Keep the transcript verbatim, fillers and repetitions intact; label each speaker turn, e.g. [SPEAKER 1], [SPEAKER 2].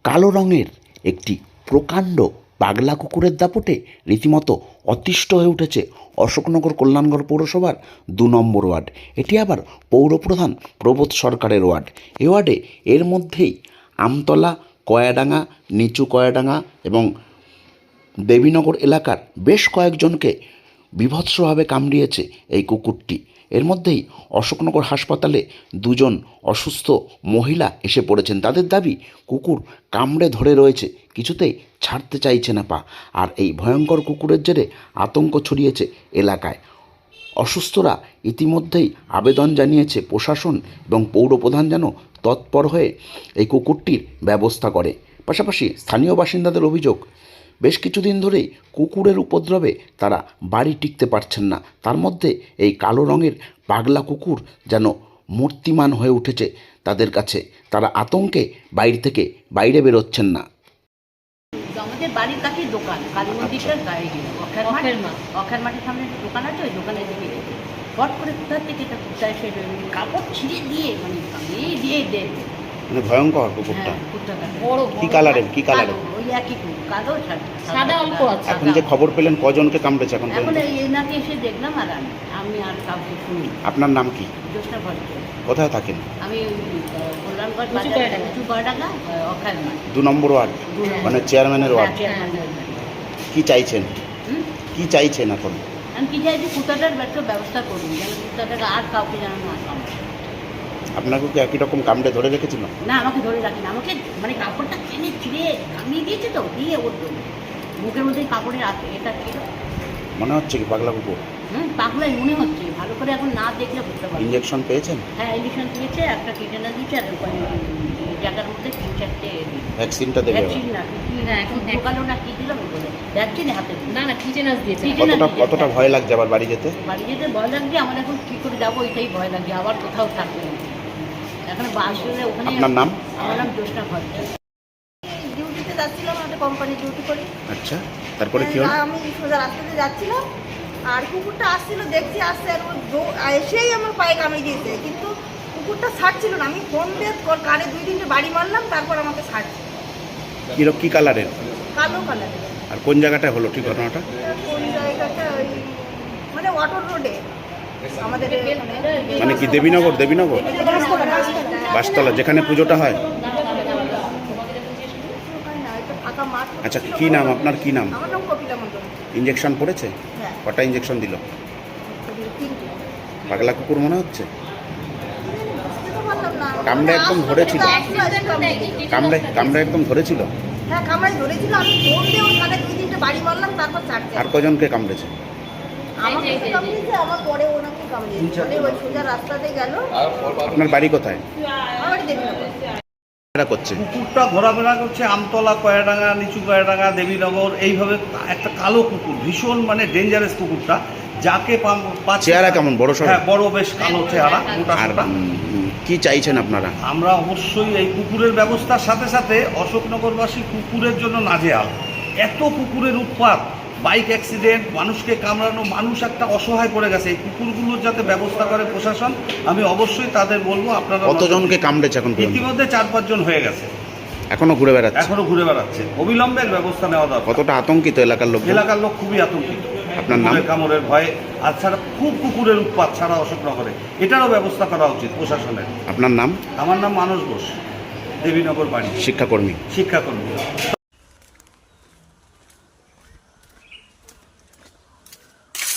[SPEAKER 1] কালো রঙের একটি প্রকাণ্ড পাগলা কুকুরের দাপটে রীতিমতো অতিষ্ঠ হয়ে উঠেছে অশোকনগর কল্যাণগড় পৌরসভার দু নম্বর ওয়ার্ড। এটি আবার পৌরপ্রধান প্রবোধ সরকারের ওয়ার্ড। এ ওয়ার্ডে এর মধ্যেই আমতলা, কয়াডাঙ্গা, নিচু কয়াডাঙ্গা এবং দেবীনগর এলাকার বেশ কয়েকজনকে বীভৎসভাবে কামড়িয়েছে এই কুকুরটি। এর মধ্যেই অশোকনগর হাসপাতালে দুজন অসুস্থ মহিলা এসে পড়েছেন। তাদের দাবি, কুকুর কামড়ে ধরে রয়েছে, কিছুতেই ছাড়তে চাইছে না পা। আর এই ভয়ঙ্কর কুকুরের জেরে আতঙ্ক ছড়িয়েছে এলাকায়। অসুস্থরা ইতিমধ্যেই আবেদন জানিয়েছে প্রশাসন এবং পৌরপ্রধান যেন তৎপর হয়ে এই কুকুরটির ব্যবস্থা করে। পাশাপাশি স্থানীয় বাসিন্দাদের অভিযোগ, বেশ কিছুদিন ধরেই কুকুরের উপদ্রবে তারা বাড়ি টিকতে পারছেন না। তার মধ্যে এই কালো রঙের পাগলা কুকুর যেন মূর্তিমান হয়ে উঠেছে তাদের কাছে। তারা আতঙ্কে বাইরে থেকে বাইরে বেরোচ্ছেন না।
[SPEAKER 2] আমাদের বাড়ির কাছে দোকান, কালী মন্দিরটার গায়ে গেল অক্ষের মাঠ, অক্ষের মাঠের সামনে দোকান আছে, ওই দোকানের দিকে গেছে। হট করে কোথার থেকে এটা কুত্তা এসে কাপড় ছিঁড়ে দিয়ে মানে এই দিয়ে দেয়।
[SPEAKER 1] মানে ভয়ঙ্কর কুকুরটা।
[SPEAKER 2] হ্যাঁ, কুত্তাটা বড়।
[SPEAKER 1] কি কালারের? কি কালারের?
[SPEAKER 2] ওই একই কুকুর, কালো সাদা অল্প আছে।
[SPEAKER 1] এখন যে খবর পেলেন কজনকে কামড়েছে এখন
[SPEAKER 2] এখন
[SPEAKER 1] পর্যন্ত?
[SPEAKER 2] এই নাকে এসে দেখলাম, আর আমি আমি আর কাউকে শুনি।
[SPEAKER 1] আপনার নাম কি?
[SPEAKER 2] জ্যোৎস্না ভট্ট।
[SPEAKER 1] কোথায় থাকেন?
[SPEAKER 2] আমি কল্যাণগড় বাজার, নিচু কয়ডাঙ্গা, অক্ষের মাঠ,
[SPEAKER 1] দু নম্বর ওয়ার্ড, মানে চেয়ারম্যানের ওয়ার্ড। কি চাইছেন? কি চাইছেন এখন?
[SPEAKER 2] আমি কি চাইছি, কুত্তাটার একটা ব্যবস্থা করুন, যেন কুত্তাটাকে আর কাউকে যেন না কামড়ে।
[SPEAKER 1] আপনাকে কি একই রকম কামড়ে ধরে রেখেছিল?
[SPEAKER 2] না, আমাকে ধরে রাখি না, আমাকে মানে কাপড়টা টেনে ছিঁড়ে কামিয়ে দিয়েছে তো, দিয়ে ওর জন্য মুখের মধ্যে কাপড়ের এটা ছিল।
[SPEAKER 1] মনে হচ্ছে কি পাগলা কুকুর?
[SPEAKER 2] হুম, পাগলাই মনে হচ্ছে, ভালো করে এখন না দেখলে বুঝতে পারছি।
[SPEAKER 1] ইঞ্জেকশন পেয়েছেন?
[SPEAKER 2] হ্যাঁ, ইঞ্জেকশন দিয়েছে, একটা টিটেনাস দিয়েছে, আর জায়গার মধ্যে তিন চারটে
[SPEAKER 1] ভ্যাকসিনটা দেবে?
[SPEAKER 2] ভ্যাকসিন না, না এখন ঢোকালো না, কি দিল বলে ভ্যাকসিন হাতে
[SPEAKER 3] না না টিটেনাস দিয়েছে।
[SPEAKER 1] কতটা কতটা ভয় লাগছে আবার বাড়ি যেতে?
[SPEAKER 2] বাড়ি যেতে ভয় লাগছে আমার, এখন কী করে যাবো এটাই ভয় লাগছে, আবার কোথাও থাকবে না। এখন বাস হলে ওখানে।
[SPEAKER 1] আপনার নাম?
[SPEAKER 2] আমার নাম জ্যোৎস্না ভট্ট। ডিউটিতে যাচ্ছিলাম, একটা কোম্পানি ডিউটি করি।
[SPEAKER 1] আচ্ছা, তারপরে কি হলো?
[SPEAKER 4] আমি সোজা রাস্তাতে যাচ্ছিলাম, আর কুকুরটা আসছিল, দেখছি আসছে, আর ও দৌ- এসেই আমার পায়ে কামড়ে দিয়েছে, কিন্তু কুকুরটা ছাড়ছিল না। আমি ফোন দিয়ে ওর কানে দুই তিনটে বাড়ি মারলাম, তারপর আমাকে ছাড়ছে।
[SPEAKER 1] কি কি কালারের?
[SPEAKER 4] কালো কালারের।
[SPEAKER 1] আর কোন জায়গাটা হলো ঠিক ঘটনাটা?
[SPEAKER 4] কোন জায়গাটা? ওই মানে ওয়াটার রোডে আমাদের এখানে।
[SPEAKER 1] মানে কি দেবীনগর? দেবীনগর
[SPEAKER 4] বাসতলা, বাসতলা।
[SPEAKER 1] বাসতলা, যেখানে পুজোটা হয়?
[SPEAKER 4] না, একটা ফাঁকা মাঠ।
[SPEAKER 1] আচ্ছা, কি নাম আপনার? কি নাম?
[SPEAKER 4] আমার নাম কপিলা মন্ডল।
[SPEAKER 1] ইঞ্জেকশন পড়েছে?
[SPEAKER 4] হ্যাঁ,
[SPEAKER 1] কটা ইঞ্জেকশন দিল?
[SPEAKER 4] তিনটে।
[SPEAKER 1] পাগলা কুকুর মনে হচ্ছে?
[SPEAKER 4] বুঝতে তো পারলাম না।
[SPEAKER 1] কামড়ে একদম ধরেছিল? কামড়ে কামড়ে একদম ধরেছিল?
[SPEAKER 4] হ্যাঁ, কামড়াই ধরেছিল। আমি ফোন দিয়ে ওর কানে দুই তিনটে বাড়ি মারলাম, তারপর ছাড়ছে।
[SPEAKER 1] আর কজনকে কামড়েছে?
[SPEAKER 4] আমাকে তো কামড়িয়েছে, আমার পরে ওনাকে কামড়িয়েছে। পরে ওই সোজা রাস্তাতে গেল।
[SPEAKER 1] আপনার বাড়ি কোথায়?
[SPEAKER 4] আমার দেবীনগর।
[SPEAKER 1] এরা করছে
[SPEAKER 5] কুকুরটা ঘোরাফেরা করছে আমতলা, কয়াডাঙ্গা, নিচু কয়াডাঙ্গা, দেবীনগর, এইভাবে একটা কালো কুকুর, ভীষণ মানে ডেঞ্জারাস কুকুরটা, যাকে পাচ্ছে।
[SPEAKER 1] চেহারা কেমন? বড় সড়ো?
[SPEAKER 5] হ্যাঁ, বড়, বেশ কালো চেহারা, মোটা
[SPEAKER 1] আর
[SPEAKER 5] সোটা।
[SPEAKER 1] উম, কি চাইছেন আপনারা?
[SPEAKER 5] আমরা অবশ্যই এই কুকুরের ব্যবস্থার সাথে সাথে অশোকনগরবাসী কুকুরের জন্য নাজেহাল। এত কুকুরের উৎপাত, বাইক অ্যাক্সিডেন্ট, মানুষকে কামড়ানো, মানুষ একটা অসহায় পড়ে গেছে। এই কুকুরগুলোর যাতে ব্যবস্থা করে প্রশাসন, আমি অবশ্যই তাদের বলবো আপনারা।
[SPEAKER 1] কতজনকে কামড়েছে এখন পর্যন্ত?
[SPEAKER 5] ইতিমধ্যে চার পাঁচজন হয়ে গেছে,
[SPEAKER 1] এখনো ঘুরে বেড়াচ্ছে?
[SPEAKER 5] এখনো ঘুরে বেড়াচ্ছে। অবিলম্বে এর ব্যবস্থা নেওয়া দরকার।
[SPEAKER 1] কতটা আতঙ্কিত এলাকার লোক?
[SPEAKER 5] এলাকার লোক খুবই আতঙ্কিত
[SPEAKER 1] আপনার নাম?
[SPEAKER 5] কুকুরের কামড়ের ভয়ে। আর ছাড়া খুব কুকুরের উৎপাত ছাড়া অশোকনগরে, এটারও ব্যবস্থা করা উচিত প্রশাসনের।
[SPEAKER 1] আপনার নাম?
[SPEAKER 5] আমার নাম মানস ঘোষ, দেবীনগর বাড়ি,
[SPEAKER 1] শিক্ষাকর্মী।
[SPEAKER 5] শিক্ষাকর্মী।